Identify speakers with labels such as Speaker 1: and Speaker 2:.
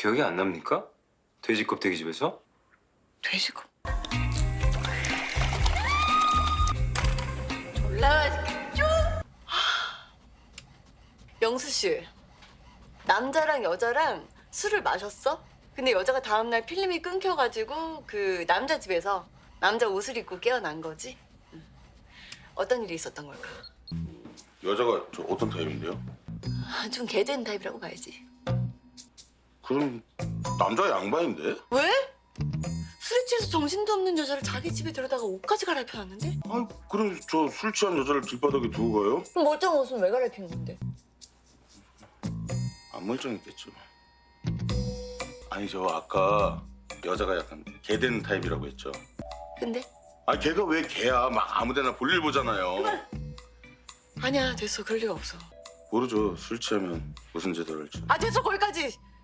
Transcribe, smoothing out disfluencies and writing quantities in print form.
Speaker 1: 기억이 안 납니까? 돼지 껍데기 집에서?
Speaker 2: 돼지고. 졸라 맛있겠죠? 영수 씨, 남자랑 여자랑 술을 마셨어? 근데 여자가 다음날 필름이 끊겨가지고 그 남자 집에서 남자 옷을 입고 깨어난 거지? 응. 어떤 일이 있었던 걸까?
Speaker 3: 여자가 저 어떤 타입인데요?
Speaker 2: 좀 개된 타입이라고 봐야지.
Speaker 3: 그럼 남자 양반인데?
Speaker 2: 왜? 술에 취해서 정신도 없는 여자를 자기 집에 데려다가 옷까지 갈아입혀놨는데?
Speaker 3: 아, 그럼 저 술 취한 여자를 길바닥에 두고 가요?
Speaker 2: 그럼 멀쩡한 옷은 왜 갈아입힌 건데?
Speaker 3: 안 멀쩡했겠죠. 아니 저 아까 여자가 약간 개된 타입이라고 했죠.
Speaker 2: 근데?
Speaker 3: 아 걔가 왜 개야? 막 아무데나 볼일 보잖아요.
Speaker 2: 아니야, 됐어. 그럴 리가 없어.
Speaker 3: 모르죠. 술 취하면 무슨 제도를 할지.
Speaker 2: 아, 됐어. 거기까지.